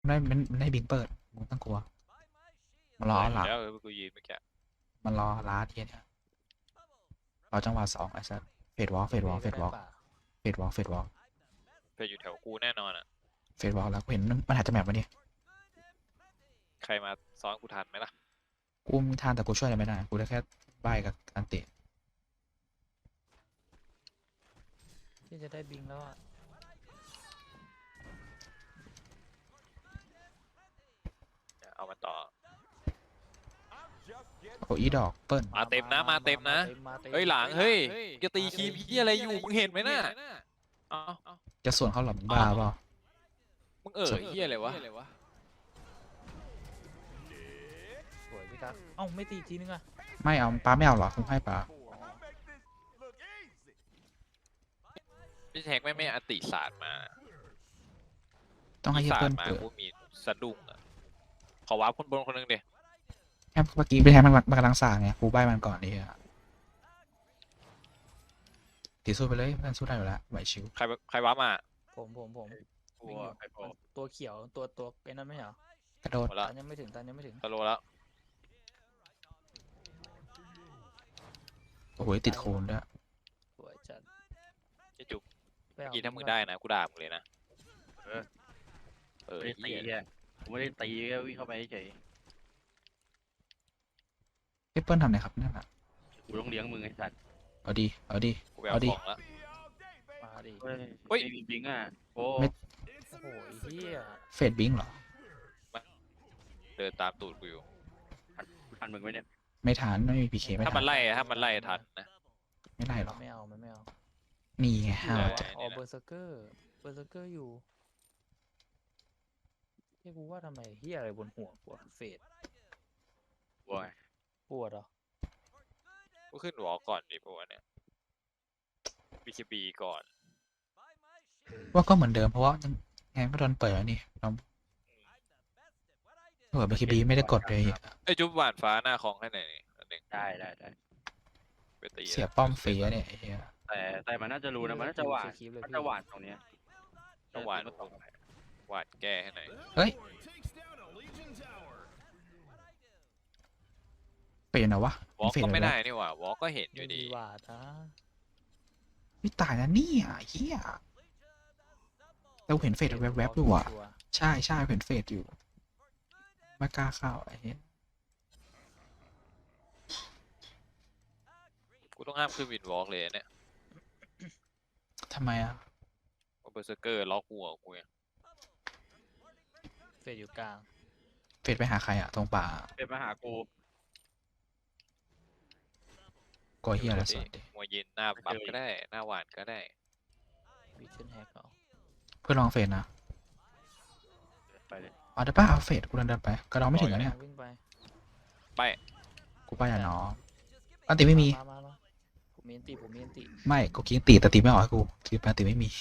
มันได้บิงเปิดมึงต้องกลัวมันรอหลังแล้วกูยืนเมื่อกี้มันรอล้าเทียเนี่ยรอจังหวะสองไอ้สัสเฟดวอล์กเฟดวอล์กเฟดวอล์กเฟดวอล์กเฟดวอล์กไปอยู่แถวกูแน่นอนอ่ะเฟดวอล์กแล้วกูเห็นมันหายจากแมปมาดิใครมาซ้อนกูทันไหมล่ะกูมีทางแต่กูช่วยอะไรไม่ได้กูได้แค่ใบกับอันติที่จะได้บิงแล้วอ่ะเอามาต่อโอ้อีดอกเปิ้ลมาเต็มนะมาเต็มนะเฮ้ยหลังเฮ้ยจะตีคีพี่อะไรอยู่มึงเห็นไหมน่ะเอ้าจะส่วนเขาหลับบ้าเปล่ามึงเฮียอะไรวะสวยพี่ครับเอ้าไม่ตีอีกทีนึงอ่ะไม่เอาปลาไม่เอาหรอคุณให้ปลาพี่แท็กไม่อันติศาสตร์มาต้องให้เฮียศาสเปิ้ตลร์มาเกิดกูมีสะดุ้งอ่ะขอว้าคนบนคนนึงเดียแค่เมื่อกี้ไปแทนมันกำลังสร้างไงกูใบมันก่อนดิอะตีสู้ไปเลยมันสู้ได้อยู่แล้วไหวชิวใครว้ามาผมตัวไอ้พอตัวเขียวตัวไอ้นั่นไม่เหรอกระโดดหมดแล้วตันยังไม่ถึงสโลแล้วโอ้โหติดโคนด้วยสวยจัดจะจุกไปเอเมื่อกี้ถ้ามึงได้นะกูด่ามึงเลยนะไม่ได้ตีเหี้ยแค่ผมไม่ได้ตีแค่วิ่งเข้าไปเฉยเฮียเปิ้ลทำไงครับนั่นอ่ะกูต้องเลี้ยงมึงไอ้สัตว์เอาดีเอาดีกูไปเอาเอาดิของแล้วมาดิเฮ้ยเฮ้ยไม่มีบิงอ่ะโอ้ไม่โอ้โหเฮียเฟดบิงเหรอเดินตามตูดกูอยู่ทันมึงไหมเนี่ยไม่ทันไม่มีพีเคไม่ถ้าทัมัน นไล่ทันนะไม่ไล่หรอกไม่เอามันไม่เอานี่ไงอยู่ห้าวไหนจัดวะอ๋อเบอร์เซอร์เกอร์อยู่เฮ้ยกูว่าทำไมเฮียอะไรบนหัวกูอะเฟดโว้ยปวดเหรอกูขึ้นหัวก่อนดิพวกเนี่ยบีก่อนว่าก็เหมือนเดิมเพราะว่ายังไงก็โดนเปิดแล้วนี่เราเปิดบีไม่ได้กดเลยไอ้จุ๊บหวานฟ้าหน้าของให้ไหนนี่อันหนึ่งได้ไปตีเสียป้อมฟรีอะเนี่ยไอ้เฮียแต่มันน่าจะรู้นะมันน่าจะหวานสคริปต์เลยมันพี่จะหวานตรงเนี้ยต้องหวานหวานแก้ให้ไหนอยเฮ้ยเปลี่ยนเหรอวะวอล์กเฟดก็เลยไม่วะได้นี่หว่าวอล์กก็เห็นอยู่ดีหวาดนะไม่ตายนะเนี่ยเฮียเราเห็นเฟดแวบๆอยู่อ่ะใช่เห็นเฟดอยู่ไม่กล้าเข้าไอ้เหี้ยกูต้องห้ามขึ้นวินวอล์กเลยเนี่ยทำไมอ่ะเพราะเบอร์เซอร์เกอร์ล็อกหัวกูไงเฟดอยู่กลางเฟดไปหาใครอ่ะตรงป่าเป็นมาหากูกลัวเฮียอะไรสดดิมวยเย็นหน้าปั๊บก็ได้หน้าหวานก็ได้วิชั่นแฮกเอาเพื่อลองเฟดนะไปเลยเอาได้ป่ะเอาเฟดกูเดินไปกระดองไม่ถึงแล้วเนี่ยวิ่งไปไปกูไปอ่ะน้องอันติไม่มีมาผมมีอันติไม่กูกินตีแต่ตีไม่ออกให้กูตีไปตีไม่มี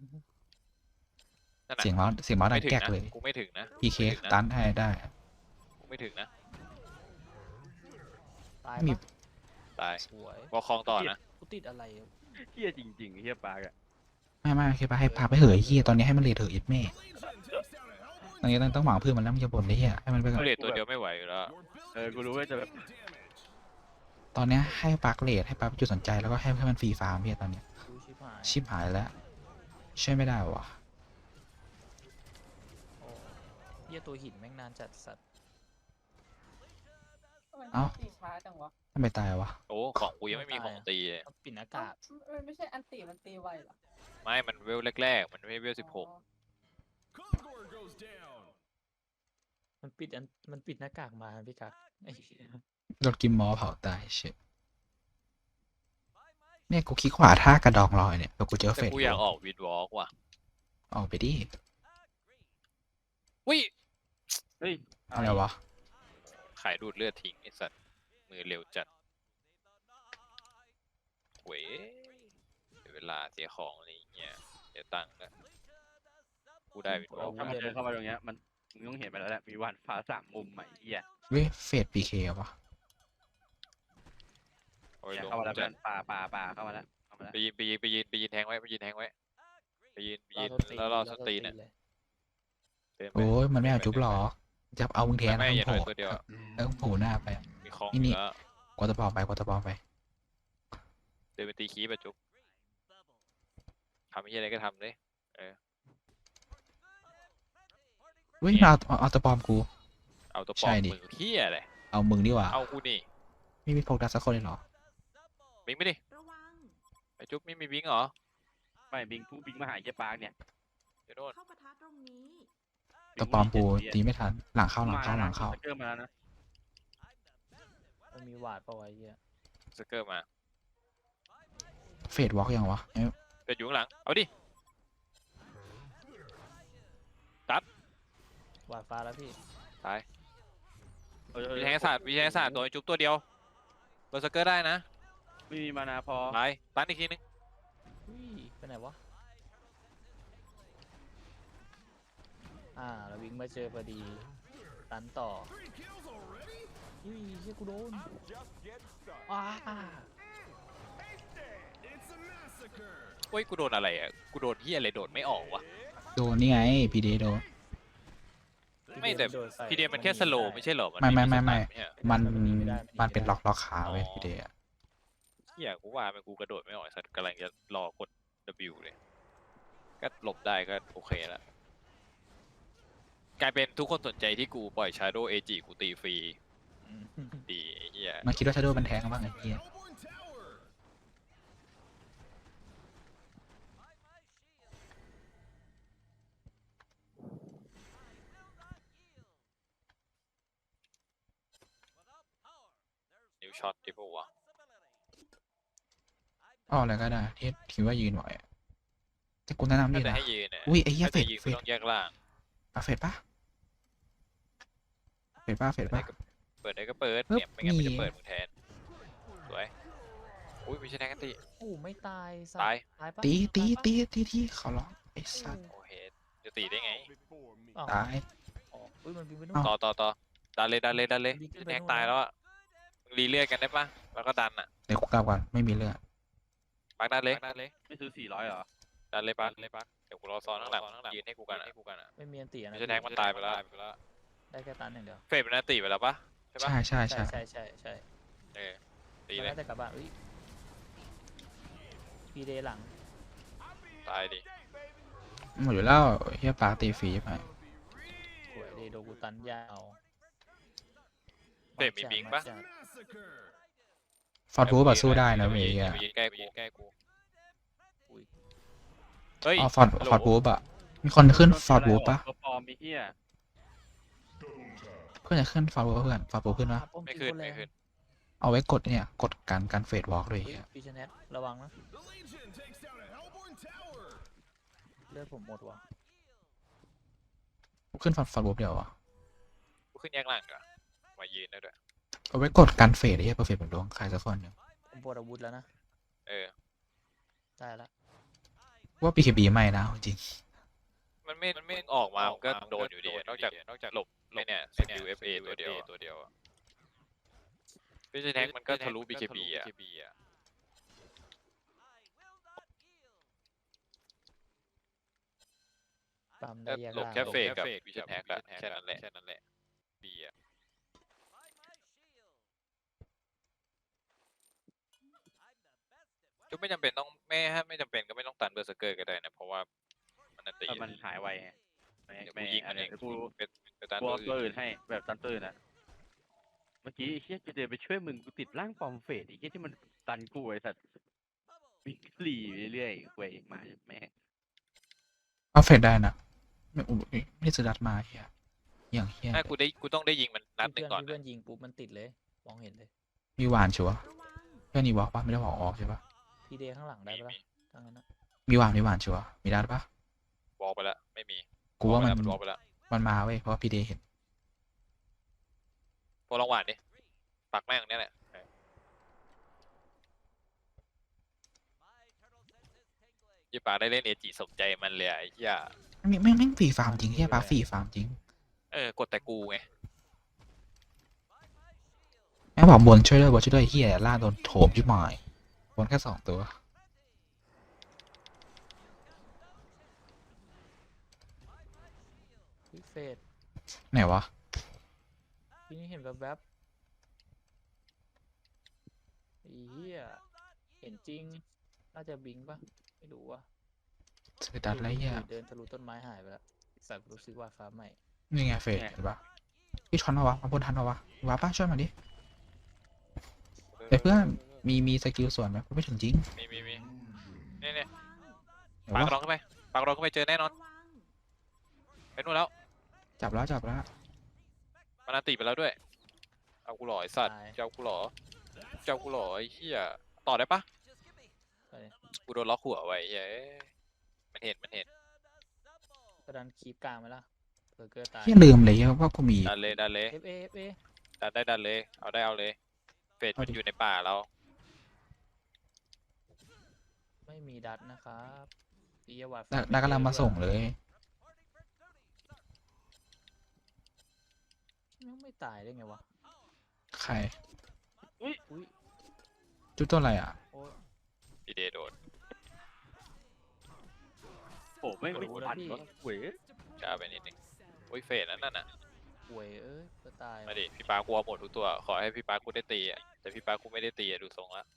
นั่นน่ะเสียงเมาส์ดัไม่งถึงแก๊กนะเลยกูไม่ถึงนะพีเคไม่ถึงนะตันให้ได้กูไม่ถึงนะตายมีปะตายสวยวอลคลองต่อนะกูติดอะไรเฮียจริงๆเฮียปากอ่ะไม่โอเคไปให้พาไปเหยเฮียตอนนี้ให้มันเลทเถอะอีกแม่ตอนนี้ต้องหวังเพื่อนมันแล้วมันจะบ่นได้เฮียให้มันไปก่อนเขาเด็ดตัวเดียวไม่ไหวอยู่แล้วกูรู้ว่าจะแบบตอนนี้ให้ปาร์คเลทให้ปาร์คจุดสนใจแล้วก็ให้มันฟรีฟาร์มเฮียตอนนี้ดูชิบหายชิบหายแล้วช่วยไม่ได้วะโอ้เหี้ยตัวหินแม่งนานจัดสัตว์เอ้าตีช้าจังวะทำไมตายวะโอ้ของกูยังไม่มีของตีเลยมันปิดอากาศไม่ใช่อันตีมันตีไวเหรอไม่มันเวลแรกๆมันไม่เวล16 มันปิดหน้ากากมาพี่กักไอ้เหี้ยโดนกิมมอเผาตายเชฟเนี่ยกูคลิกขวาท่ากระดองลอยเนี่ยแล้วกูเจอแต่เฟดกูอยากออกวินวอล์กว่ะออกไปดิวิเฮ้ยอะไรวะขายดูดเลือดทิ้งไอ้สัตว์มือเร็วจัดเว้ยเสียเวลาเสียของอะไรอย่างเงี้ยเสียตังค์นะกูได้วินวอล์กถ้ามันเดินเข้ามาตรงเนี้ยมันมึงต้องเห็นไปแล้วแหละมีหวานฟ้า3 มุมใหม่เฮียเว้ยเฟดพีเควะโอ้ยลงเข้ามาแล้วจัดป่าเข้ามาแล้วไปยืนแทงไว้ไปยืนแทงไว้ไปยืนรอแล้วรอสตรีนเลอ่ะยเดินไปโอ้ยมันไม่เอาจุ๊บหรอกจะเอามึงแทนไม่แล้วอย่าโผโดล่นตัวเดียวแล้วโผล่หน้าไปมีคลองนี่แล้วกวาดตะปอมไปกวาดตะปอมไปเดินไปตีคีบอะจุ๊บทำอะไรก็ทำเลยเฮ้ยมาเอาตะปอมกูเอาตัวปใช่อมดิมือเที่ยอะไรเอามึงดีกว่าเอากูนี่ไม่มีโฟกัสสักคนเลยเหรอบิงไม่ดิระวังไอจุ๊บไม่มีบิงเหรอไม่บิงผู้บิงมาหาไอ้เหี้ยปาร์กเนี่ยเดี๋ยวโน่นเข้าปะทะตรงนี้ตะปอมกูตีไม่ทันหลังเข้าหลังเข้าหลังเข้าเกิดมาแล้วนะมันมีหวาดปะวะไอ้เหี้ยสเกอร์มาเฟดวอล์กยังวะเอ้ยเดินอยู่ข้างหลังเอาดิหวาดฟ้าแล้วพี่ตายเออวิทยาศาสตร์ตัวไอ้จุ๊บตัวเดียวเบอร์สเกอร์ได้นะไม่มีมานาพอตายตันอีกทีนึงอุ้ยไปไหนวะแล้ววิ่งมาเจอพอดีตันต่ออุ้ยเชี่ยกูโดนอ้าโอ้ยกูโดนอะไรอ่ะกูโดนที่อะไรโดดไม่ออกวะโดนนี่ไงพีเดโดนไม่แต่โดนใส่พีเดียมันแค่สโลว์ไม่ใช่เหรอไม่สไม่ตาร์ทไม่เนี่ยมันไม่ได้มันเป็นล็อกขาเว้ยอ๋อพีเดอะเฮียกูว่ามันกูกระโดดไม่ออกไอ้สัตว์กำลังจะรอกด W เลยก็หลบได้ก็โอเคแล้วกลายเป็นทุกคนสนใจที่กูปล่อย Shadow AG กูตีฟรีอืมดีไอ้เฮียมันคิดว่าชาโดว์มันแทงกันบ้างไอ้เหี้ยนิวช็อตดิปวะอ้ออะไรก็ได้ที่คิดว่ายืนไหวอะแต่กูแนะนำถ้านี่จะนะให้ยืนเนี่ยอุ้ยไอ้เหี้ยถ้าเฟจะดยืนเฟกูดต้องแยกล่างเฟดปะเฟดปะเฟดปะเปิดได้ก็เปิดปึ๊บเนี่ยไม่งั้นมันนี่จะเปิดมึงแทนสวยอุ้ยไม่ใช่แทงกันตีโอ้ไม่ตายสัตายตายปะตีตีตายปะตีที่เขาร้องไอ้สัตว์โอเคจะตีได้ไงอ้าวตายอ๋ออุ้ยมันบินไปนู่เอ้านต่อดันเลยดีขึ้นไปแทงนู่นตายแล้วแล้วอ่ะมึงรีเลือดกันได้ปะแล้วก็ดันอ่ะเดี๋ยวกูกลับก่อนไม่มีเลือดปักดันเลยไม่ซื้อ400เหรอดันเลยปักเดี๋ยวกูรอซ้อนข้างหลังยืนให้กูกันอะไม่มีอันตีนะไม่ใช่แทงมันตายไปแล้วได้แค่ตันอย่างเดียวเฟดเป็นนาตีไปแล้วปะใช่ปะใช่ใช่ใช่ใช่เออตีมันเลยน่าจะกลับบ้านอุ้ยพีเดย์หลังตายดิหมดอยู่แล้วเฮียปากตีฟรีไปสวยดีโดกูตันยาวเฟดมีบิงปะจัดฟอร์ดบู๊แบบสู้ได้นะเว้ยอย่าอะไปยืนใกล้กูอุ้ยเฮ้ยอ๋อฟอร์ดบู๊อะมีคนขึ้นฟอร์ดบู๊ปะตัวปลอมมีเหี้ยเพื่อนจะขึ้นฟอร์ดบู๊เพื่อนฟอร์ดบู๊ขึ้นปะไม่ขึ้นไม่ขึ้นเอาไว้กดเนี่ยกดการเฟดวอล์กเลยอุ้ยเฮียพีชเนตระวังนะเลือดผมหมดว่ะขึ้นฟอร์ดบู๊เดี๋ยวอะกูขึ้นแยกล่างดีกว่ามายืนได้ด้วยเอาไว้กดการเฟดไอ้เฮียเปอร์เฟกต์แบบดวงใครสักคนหนึ่งผมปวดอาวุธแล้วนะเออได้ละว่า BKB ไม่นะจริงมันไม่ออกมามันก็โดนอยู่ดีนอกจากหลบไอ้เนี่ยสกิล FA ตัวเดียวอะไม่ใช่แท็กมันก็ทะลุ BKB อ่ะปั๊มได้แยกหลบล่างแค่เฟกกับวิชั่นแท็กละแค่นั้นแหละบีอ่ะก็ไม่จำเป็นต้องไม่จำเป็นก็ไม่ต้องตันเบอร์เซอร์เกอร์ก็ได้นะเพราะว่ามันอันตแต่มันหายไวไงเดี๋ยวกูยิงมันเองเดี๋ยวกูเป็นตันกลัวตัวตัวอื่อื่นนให้แบบตันตัวอื่นอ่ะ เมื่อกี้ไอ้เฮียจะเดินไปช่วยมึงกูติดร่างปลอมเฟดไอ้เฮียที่มันตันกูไอ้สัตว์วิ่งหลีเรื่อยๆเว้ยมาแม่งๆเอาเฟดได้นะไม่อุ๊ยไม่ได้ซื้อรัดมาเฮียอย่างเฮียถ้ากูต้องได้ยิงมันนัดหนึ่งก่อนเพื่อนยิงปุ๊บมันติดเลยมองเห็นเลยมีหวานชัวร์ระวังเพื่อนนี่วอล์กปะไม่ได้วอล์กออกใช่ปะพีเดย์ข้างหลังได้ปะมีทั้งนั้นนะมีหวานชัวร์มีรัดปะวอลไปแล้วไม่มีกูว่ามันวอลไปแล้วมันมาเว้ยเพราะว่าพีเดเห็นพอลองหวานดิปักแม่งเนี่ยแหละยี่ปากได้เล่นเอจิสมใจมันเลยไอ้เหี้ยแม่งฟรีฟาร์มจริงเฮียปาฟรีฟาร์มจริงกดแต่กูไงแม่งบอกบนช่วยด้วยเฮียล่าโดนโถมชิบหายบนแค่2 ตัวอุ๊ยเฟดไหนวะทีนี้เห็นแวบๆไอ้เหี้ยเห็นจริง น่าจะบิงปะไม่รู้ว่ะเสือดัดไรเหี้ยเดินทะลุต้นไม้หายไปแล้วสัตว์รู้สึกว่าฟ้าใหม่นี่ไงเฟดเห็นปะพี่ทันปะวะมาบนทันปะวะวาป้าช่วยมาดิเฮ้ยเพื่อนมีสกิลส่วนไหมกูไม่ถึงจริงมีนี่เนี่ยเดี๋ยวปากวะรองขึ้นไปปากรองขึ้นไปเจอแน่นอนไปนู่นแล้วจับแล้วจับแล้วมันอันติไปแล้วด้วยเอากูหล่อไอ้สัตว์ตายเจ้ากูหล่อเจ้ากูหล่อไอ้เหี้ยต่อได้ปะไปเลยกูโดนล็อกหัวไว้เฮ้ยมันเห็นกระดานคีบกลางไหมล่ะเบอร์เกอร์ตายเฮียลืมเลยว่ากูมีดันเลย FA FA ดันเลยเอาเลยเฟดเอามันดิอยู่ในป่าเราไม่มีดัตนะครับอียวัดดักกำลังมาส่งเลยยังไม่ตายได้ไงวะใครอุ้ยจุดตัวอะไรอ่ะโอ้ยพีเดโดนโอ้ไม่งทันวะเว้ยช้าไปนิดนึงโอ้ยเฟดนั่นน่ะป่วยเอ้ยจะตายมาดิพี่ปากูเอาหมดทุกตัวขอให้พี่ปากูได้ตีอ่ะแต่พี่ปากูไม่ได้ตีอ่ะดูทรงละ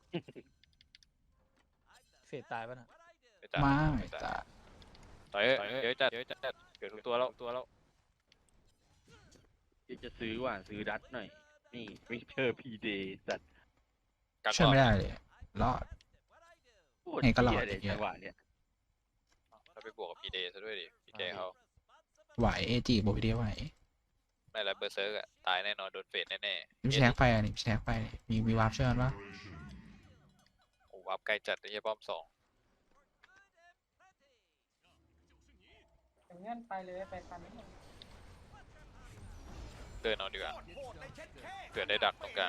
เฟดตายปะน่ะไม่จ่ายไม่ไม่จ่ายแต่ต่อยเยอะจัดเกิดทุกตัวแล้วจะซื้อว่ะซื้อดัตหน่อย นี่วิเชอร์พีเดย์สัตว์กักช่วยไม่ก่อนได้เลยรอดโคตรไงก็รอดเหี้ยเลยไอ้เหี้ยจังหวะเนี้ยเราไปบวกกับพีเดซะด้วยดิพี่แกเขาไหวเอจีบอกพี่เดียวไหวไม่แล้วเบอร์เซิร์กอะตายแน่นอนโดนเฟดแน่ๆมีแช็กไปอ่ะนี่แช็กไปมีวาร์ปเชิญปะโอ้วับไกลจัดไอ้เหี้ยป้อมสองอย่างเงี้ยไปเลยไปคันนี้เดินเอาดีกว่าเผื่อได้ดักตรงกลาง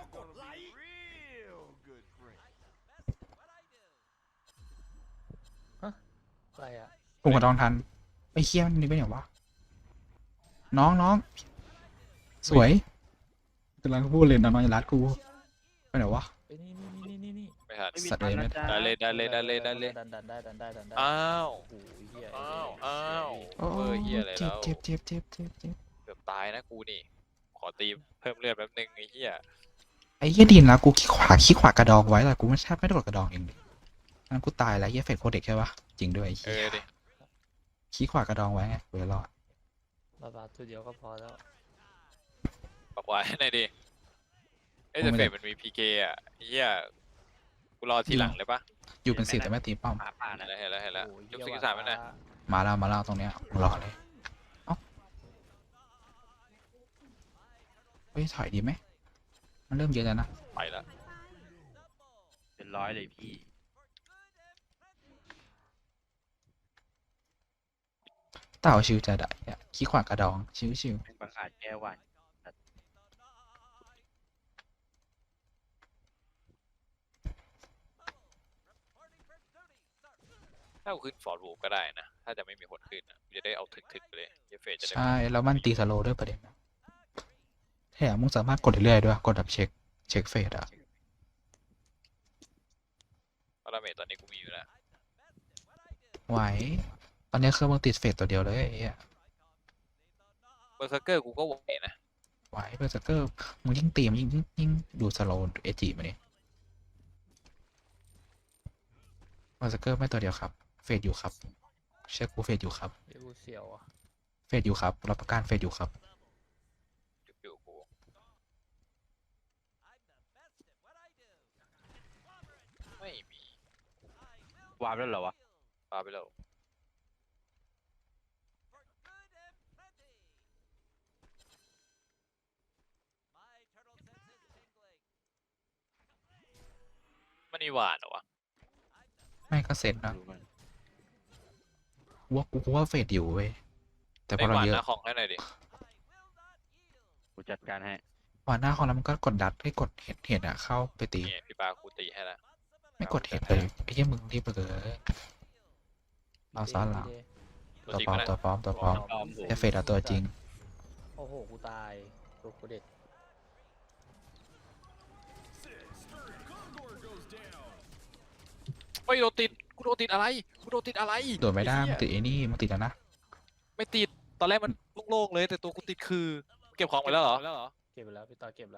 อะไรอ่ะผมกับดองทันไอ้เคี้ยมันนี่เป็นอย่างวะน้องสวยกำลังพูดเลยน้องอย่ารัดกูไปไหนวะไปนี่ไม่ทันไม่มีสัตว์ตังค์เลยนะจ๊ะได้เลยดันได้อ้าวโอ้ยเหี้ยอ้าวโอ้เบอร์เหี้ยอะไรเจ็บแล้วเจ็บเจ็บเจ็บเจ็บเจ็บเกือบตายนะกูนี่ ขอตีเพิ่มเลือดแป๊บนึงไอ้เหี้ยไอ้เหี้ยดินแล้วกูขี้ขวากระดองไว้แต่กูไม่แทบไม่ได้กดกระดองเองดิงั้นกูตายแล้วเหี้ยเฟกโคเด็กใช่ปะจริงด้วยไอ้เอเหี้ยอดิขี้ขวากระดองไว้ไงกูเลยรอดบาตัวเดียวก็พอแล้วบอกไว้หน่อยดิเอ้ยแต่เฟดมันมีพีเคอะไอ้เหี้ยกูรอทีหลังเลยปะอยู่เป็นสิบแต่ไม่ตีป้อมป่าเห็นะนแล้วโอ้ยยกเหี้สยกิลวัดสามไปหน่อยมาแล้วตรงเนี้ยกูรอเลยเอ้าเฮ้ยถอยดีไหมมันเริ่มเยอะแล้วนะไปละเป็นร้อยเลยพี่เต่าชิวจะได้อะขี้ขวากระดองชิวเป็นประกาศแก้ววันถ้ากูขึ้นฟอร์ดวูฟก็ได้นะ ถ้าจะไม่มีคนขึ้นอะกูจะได้เอาถึกๆไปเลยเหี้ยเฟดจะได้ใช่แล้วมันตีสโลว์ด้วยประเด็นนะแถมมึงสามารถกดเรื่อยๆด้วยกดแบบเช็คเฟสอะเพราะดาเมจตอนนี้กูมีอยู่แล้วไหวตอนนี้คือมึงติดเฟสตัวเดียวเลยไอ้เหี้ยเบอร์เซอร์เกอร์กูก็ไหวนะไหวเบอร์สเกอร์มึงยิ่งตีมนยิ่งดูสโลว์เอจิมาเนี่ยเบอร์สเกอร์ไม่ตัวเดียวครับเฟสอยู่ครับเชื่อกูเฟสอยู่ครับเดี๋ยวกูเสียวอ่ะเฟสอยู่ครับรับประกันเฟสอยู่ครับอยู่กูไม่มีวาร์ปแล้วเหรอวะปาไปแล้วมันมีหวานเหรอวะไม่ก็เซ็ตนะดูมันกูว่าเฟสอยู่เว้ยแต่พไออหเราวานเยหอะน้าของให้หน่อยดิกูจัดการให้วันหน้าของเรามันก็กดดัดให้กดเห็ดอะเข้าไปตีนี่พี่ปากูตีให้แล้วไม่กดเห็ดเลยไอ้เหี้ยมึงรีบไปเลย เอาซะละตัวตัวจริงปลอปะมเนี่ยตัวปลอมตัวปลอมปลอมผมไอเฟสอะตัวจริงโอ้โหกูตายตัวกูเด็กเฮ้ยโดนติดกูโดนติดอะไรกูโดนติดอะไรโดดไม่ได้อ้มันเหี้ยติดไอ้นี่มันติดแล้วนะไม่ติดตอนแรกมันโล่งๆเลยแต่ตัวกูติดคือเก็บของไปแล้วเหรอเก็บไปแล้วพี่ต่อเก็บแล้ว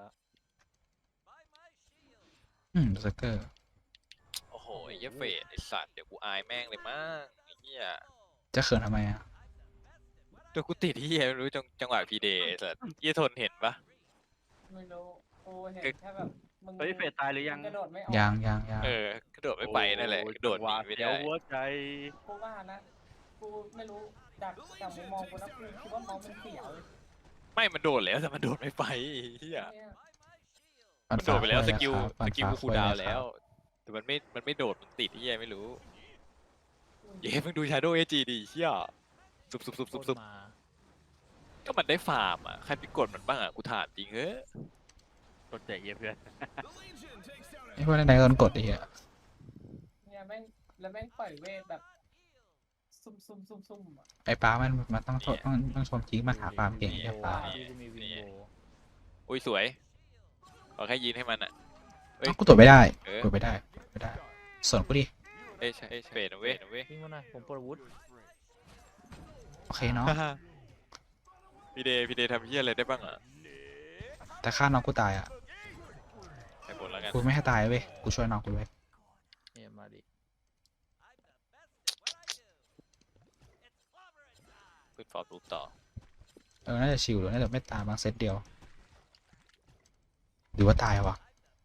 เบอร์เซอร์เกอร์โอ้โหไอ้เหี้ยเฟดไอ้สัตว์เดี๋ยวกูอายแม่งเลยมั้งไอ้เหี้ยจะเขินทำไมอ่ะตัวกูติดที่ไม่รู้จังหวะพีเดย์ไอ้สัตว์เหี้ยทนเห็นปะไม่รู้กูเห็นแค่แบบมึงเฮ้ยเฟดตายหรือยังกระโดดไม่ออกยังกระโดดไม่ไปนั่นแหละกระโดดหนีไม่เดี๋ได้ยวหัวใจกูว่านะกูไม่รู้จากมุมมองกูนะกูคิดว่าเมาส์มันเสียวเลยไม่มันโดดแล้วแต่มันโดดไม่ไปไอ้เหี้ยเนี่ยมันโดดไปแล้วสกิลปั่นกูฟ้าคูคุลยดาวน์นะคแล้รัวบแต่มันไม่โดดมันติดที่ยังไม่รู้เย้มึงดู Shadow AG ดิเหี้ยสุบโคตรมาก็มันได้ฟาร์มอ่ะใครไปกดมันบ้างอ่ะกูถามจริงเฮ้ยกดใจเย็นเพื่อนไอ้พวกนั้นไหนโดนกดดิอ่ะเนี่ยแม่งแล้วแม่งปล่อยเวทแบบซุ่มอ่ะไอ้ป้ามันต้องชมจริงมาหาความเก่งไอ้ป้าพี่ก็มีวินโบอุ้ยสวยขอแค่ยืนให้มันอ่ะ เอ้ยกูตรวจไม่ได้เออตรวจไม่ได้ส่วนกูดิเอ้ยใช่เฟดนะเว้ยวิ่งมาหน่อยผมปลดอาวุธโอเคเนาะพี่เดย์ทำเหี้ยอะไรได้บ้างอ่ะแต่ฆ่าน้องกูตายอ่ะใส่ผลแล้วกันกูไม่ให้ตายเว้ยกูช่วยน้องกูเว้ยเนี่ยมาดิขึ้นฟอร์มรูปต่อน่าจะชิวหรือน่าจะไม่ตายบางเซตเดียวหรือว่าตายวะ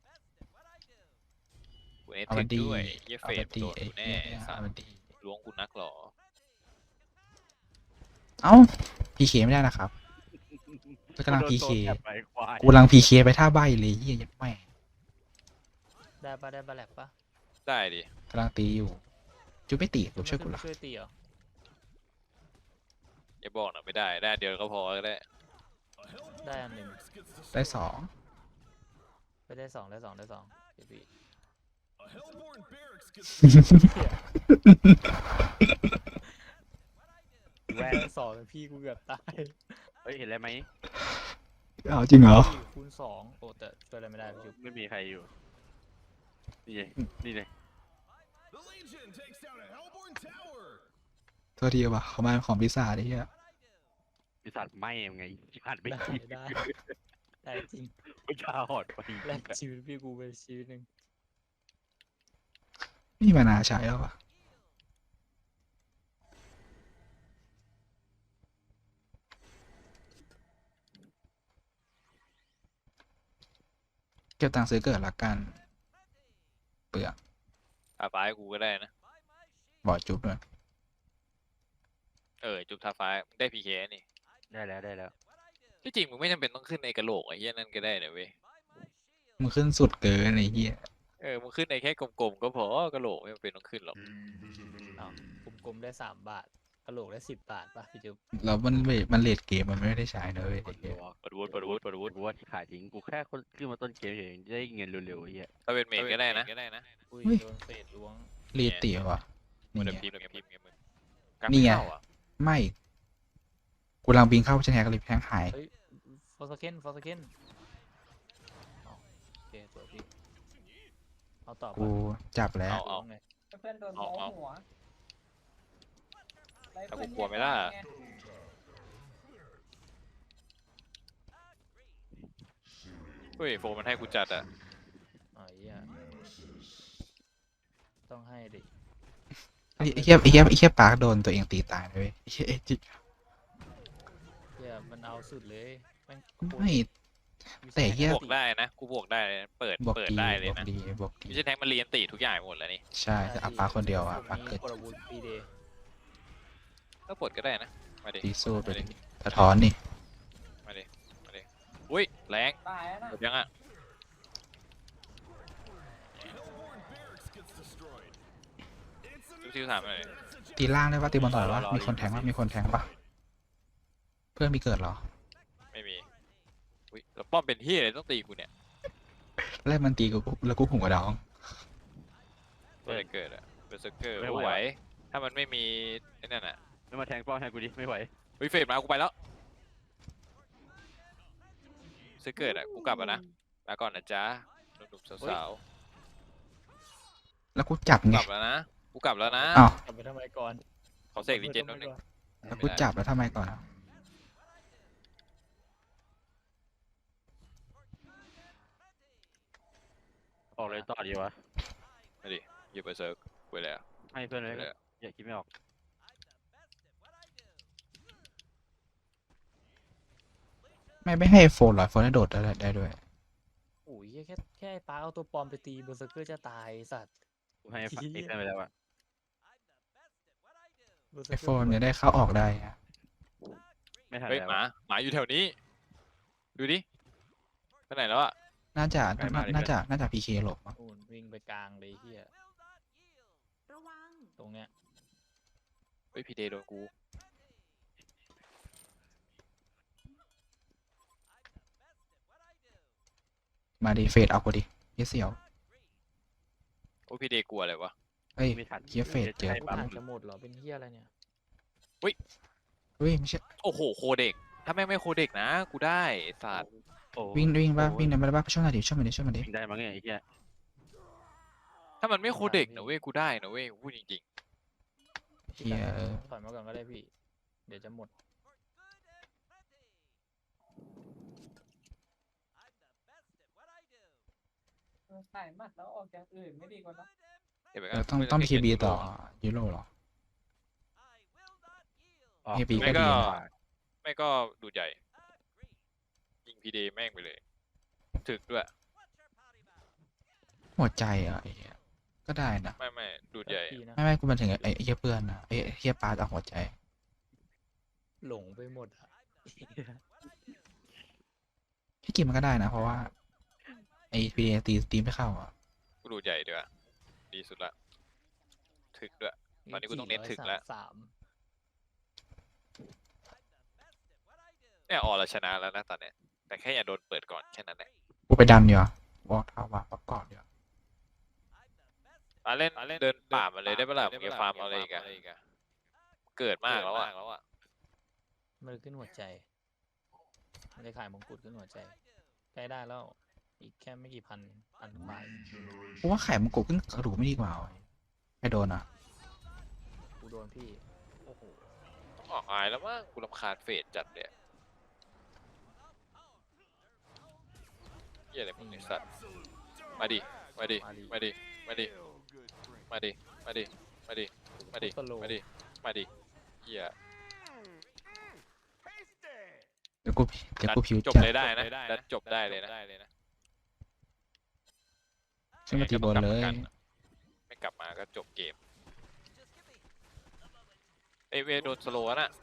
กูเอเอาทิมันกดีด้วยเหี้ยเอาเฟมัดนดีโดดไอ้กูแน่เหี้ยสัเอาตมันว์ดีล้วงกูนักหรอเอ้าพีเคไม่ได้นะครับกำลังโดนพีโดเคนแอบไปควายกูกำลังพีเคไปท่าใบเลยเหี้ยยัดแม่งได้ปะได้บาแลกปะได้ดิกำลังตีอยู่จูไม่ตีกูช่วยกูขึ้นละมาช่วยตีเหรออย่าบอกนะไม่ได้ได้เดียวก็พอก็ได้ได้อันหนึ่งได้สองไปได้สองได้สองได้สองเดี๋ยวพี่แวนได้สองแล้วพี่กูเกือบตายเฮ้ยเห็นอะไรไหมเอาจริงเหรอคูณสองโอ้แต่ช่วยอะไรไม่ได้พี่ชุบไม่มีใครอยู่ นี่ไงนี่เลยโทษทีว่ะเขามาของพิซซ่าดิเหี้ยบริษัทไหม้ยังไงผ่านไม่ได้กี่ได้ได้จริงวิชาหอดไปแลกชีวิตพี่กูไปชีวิตหนึ่งนี่มานาใช้แล้ววะเก็บตังค์ซื้อเกิดละกันเปลือกอาฟ้าให้กูก็ได้นะบอดจุ๊บด้วยจุบทาฟ้ามึงได้พีเคนี่ได้แล้วได้แล้วที่จริงมึงไม่จำเป็นต้องขึ้นในกระโหลกไอ้เหี้ยนั่นก็ได้นะเว้ยมึงขึ้นสุดเกินไอ้เหี้ยมึงขึ้นในแค่กลมๆก็พอกระโหลกไม่จำเป็นต้องขึ้นหรอกอ้าวกลมๆได้3 บาทกระโหลกได้10 บาทป่ะพี่ชุบแล้วมันเลดเกมมันไม่ได้ใช้นะเว้ยไอ้เหี้ยปดวุฒิกูว่าที่ขายทิ้งกูแค่คนขึ้นมาต้นเกมเฉยๆได้เงินเร็วๆไอ้เหี้ยถ้าเป็นเมดก็ได้นะอุ้ยโดนเฟดล้วงเลดเตี๋ยวะมันี่นไงพิมพ์ไงมึงกักนี่ไม่ไงเข้าอ่ะไม่กูกำลังบินเข้าชนแฮกเลยแพงหายเฮ้ยฟอร์สเคนฟอร์สเคนโอเคสวยพี่เอาต่อกูปะจับแล้วล้วงไงเพื่อนโดนเมาส์หัวแต่กูกลัวไหมล่ะ เฮ้ยโฟมันให้กูจัดอ่ะอ๋อเหี้ยต้องให้ดิไอ้เหี้ยปาร์คโดนตัวเองตีตายเลยเว้ยไอ้เหี้ยจิเหี้ยมันเอาสุดเลยแม่งโคตรไม่ แต่เหี้ยบวกได้นะ กูบวกได้เลยนะเปิดบอกเปิดดีได้เลยบอกนะดีบอกดีไม่ใช่แทงมันเรียนตีทุกอย่างหมดแล้วนี่ใช่แต่เอาปาร์คคนเดียวอ่ะปาร์คนี้เกิดปรวุฒิปีเดย์ก็ปลดก็ได้นะ มาดิตีสู้ไปดิสะท้อนนี่อุ้ยแรงตายแล้วนะหมดยังอ่ะซิวๆถามหน่อยตีล่างได้ปะตีบอลต่อยวะมีคนแทงปะมีคนแทงปะเพื่อนมีเกิดเหรอไม่มี อุ้ยแล้วป้อมเป็นที่อะไรต้องตีกูเนี่ยแรกมันตีกูแล้วกูหุ่มกระดองเพื่อเกิดอะเบอร์เซอร์เกอร์ไหว ถ้ามันไม่มีไอ้นั่นอ่ะไม่มาแทงป้อมให้กูดิไม่ไหวเฮ้ยเฟดมากูไปแล้วเซอร์เกิดอ่ะกูกลับแล้วนะลาก่อนนะจ๊ะหนุ่มๆสาวแล้วกูจับๆไงกลับแล้วนะ กูกลับแล้วนะอ้าวกลับไปทำไมก่อนขอเสกรีเจนนิดนึงแล้วกูจับแล้วทำไมก่อนอ่ะต่อดีวะมาดิหยิบไปเซิร์กไปแล้วให้เพื่อนเลยไปแล้วอย่าคิดไม่ออกไม่ให้โฟนหรอโฟนให้โดดได้ด้วยโอ้ยแค่ไอ้ปาร์คเอาตัวปลอมไปตีเบอร์เซอร์เกอร์จะตายไอ้สัตว์กูให้เหี้ยไอ้เพื่อนไปแล้วอะเบอร์เซอไอร์เกโฟอร์นจะได้เข้าออกได้อะไม่ทันเฮ้ยแล้วหมาอยู่แถวนี้ ดูดิไปไหนแล้วอะน่าจะไกลมากเลยน่าจะพีเคหลบมั้งโอ้ยวิ่งไปกลางเลยเฮียระวังตรงเนี้ยเฮ้ยพีเดโดนกูมาดิเฟดเอากูดิเหี้ยเสี่ยวโอ้พีเดกลัวอะไรวะเฮ้ยไม่ทันเหี้ยเฟดเจอให้กูปั๊มผ่านจะหมดเหรอเป็นเฮียอะไรเนี่ยเฮ้ยไม่ใช่โอ้โหโคเด็กถ้าแม่งไม่โคเด็กนะกูได้ไอ้สัตว์โอ้วิ่งป่ะโอ้วิ่งได้ไหมป่ะช่วยหน่อยดิช่วยมันดิวิ่งได้มั้งเนี่ยไอ้เหี้ยถ้ามันไม่โคเด็กนะเว้ยกูได้นะเว้ยพูดจริงเฮียถอยมาก่อนก็ได้พี่ เดี๋ยวจะหมดขายหมัดแล้วออกจากอื่นไม่ดีกว่านะๆเห็นไหมต้องทีบีต่อยูโรเหรอออกเอพีก็ไม่ดีก็นะไม่ก็ดูดใหญ่ ยิงพีเดแม่งไปเลย ถึกด้วยหัวใจอ่ะไอ้เหี้ยก็ได้นะไม่ดูดใหญ่พี่นะไม่กูมันถึงไอ้เหี้ยเพื่อนนะไอ้เหี้ยปลาจากหัวใจหลงไปหมดอะที่กินมันก็ได้นะ เพราะว่าไอ้พีตีไม่เข้าอ่ะกูดูดใหญ่ดีกว่าดีสุดละ ถึกด้วย ตอนนี้กูต้องเน้นถึกแล้วสามเนี่ยออเราชนะแล้วนะตอนเนี้ย แต่แค่อย่าโดนเปิดก่อนแค่นั้นแหละกูไปดันเดียวบอกท้าว่าประกอบเดียวเล่นเดินป่ามาเลยได้ปะล่ะมึงจะฟาร์มเอาอะไรอีกอะเกิดมากแล้วอะมันขึ้นหัวใจมันได้ขายมงกุฎขึ้นหัวใจใกล้ได้แล้ว อีกแค่ไม่กี่พันกว่ากูว่าไข่มันกบขึ้นกระดูกไม่ดีกว่าไอ้โดนอ่ะกูโดนพี่ โอ้โหต้องออกอายแล้วมั้งกูรำคาญเฟดจัดเลยเหี้ยอะไรมึงไอ้สัตว์มาดิมาดิมาดิมาดิมาดิมาดิมาดิมาดิมาดิมาดิเหี้ยเดี๋ยวกูผิวจบจัดเลยได้นะดันจบได้เลยนะขึ้นมาตีบนเลยไม่กลับมาก็จบเกมเอเวโดนสโลว์น่ะ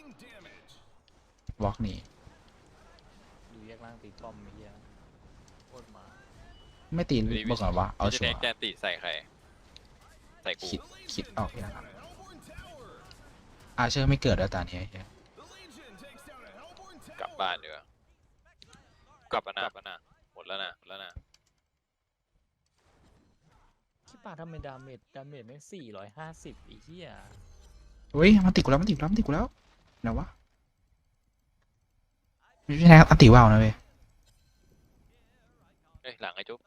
วอล์กหนีดูแยกล่างตีป้อมไอ้เหี้ยโคตรมาไม่ตีบอกก่อนว่าเอาจะชัวแดงร์แจนติใส่ใคร ใส่กูคิดออกอย่างอาเชอร์ไม่เกิดแล้วตอนนี้ไอ้เหี้ยกลับบ้านดีกว่ากลับแล้วนะหมดแล้วนะที่ปาทำไมดาเมจแม่ง450ไอ้เหี้ยเฮ้ยมันติดกูแล้วไหนวะไม่ใช่นะครับอันติว่าวนะเว้ยเอ้ยหลังไอ้จุ๊บ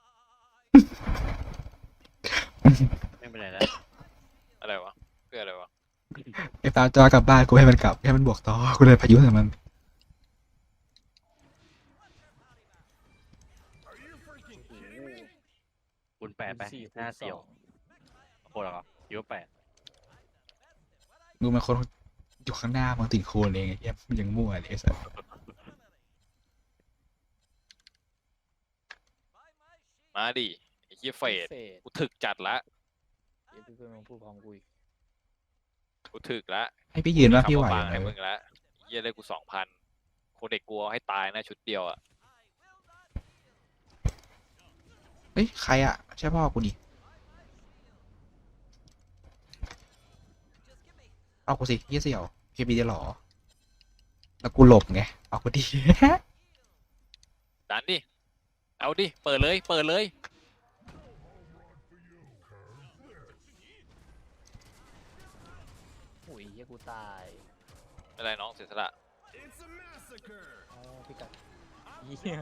ไม่เป็นไรแล้วอะไรวะเพื่ออะไรวะไอ้ตาจอกลับบ้านกูให้มันกลับให้มันบวกต่อกูเลยพายุใส่มันคูณ8ไป 4 หน้าเสี่ยวโคตรเหรอคิดว่า8 ดูมันคนอยู่ข้างหน้ามันติดโคนเองไอ้เหี้ยมันยังมั่วเลยไอ้สัสมาดิไอ้เหี้ยเฟดเฟดกูถึกจัดละเดี๋ยวเพื่อนๆมาพูดพร้อมกูอีกกูถึกละให้พี่ยืนว่าพี่ไหวคำไหบางมให้มึงละเหี้ยได้กู2,000คนเด็กกลัวให้ตายนะชุดเดียวอ่ะเฮ้ยใครอ่ะใช่พ่อกูนี่เอากูสิยี่เสี่ยวเคบีจะหรอแล้วกูหลบไงเอากูดีดันดิเอาดิเปิดเลยโอ้ยเหี้ยกูตายอะไรน้องเสียสละอ๋อพี่กัดเหี้ย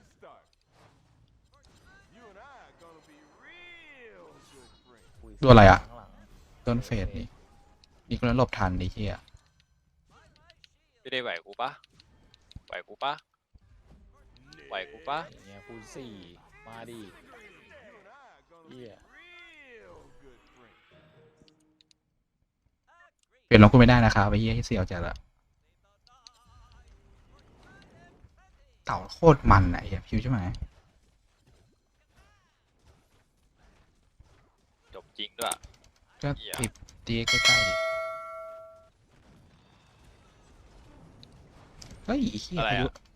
ตัวอะไรอ่ะข้างหลังต้นเฟสนี่มีคนนั้นหลบทันไอ้เหี้ยไม่ได้ไหวกูปะไหวกูปะอย่างเงี้ยคูณ4มาดิเหี้ยเปลี่ยนลงกูไม่ได้นะครับไอ้เหี้ยที่เสียวจัดละเต่าโคตรมันอะไอ้เหี้ยพิวใช่ไหมจบจริงด้วยก็เหี้ยติดตีใกล้ๆดิเฮ้ยไอ้เหี้ยอะไรพายุอะ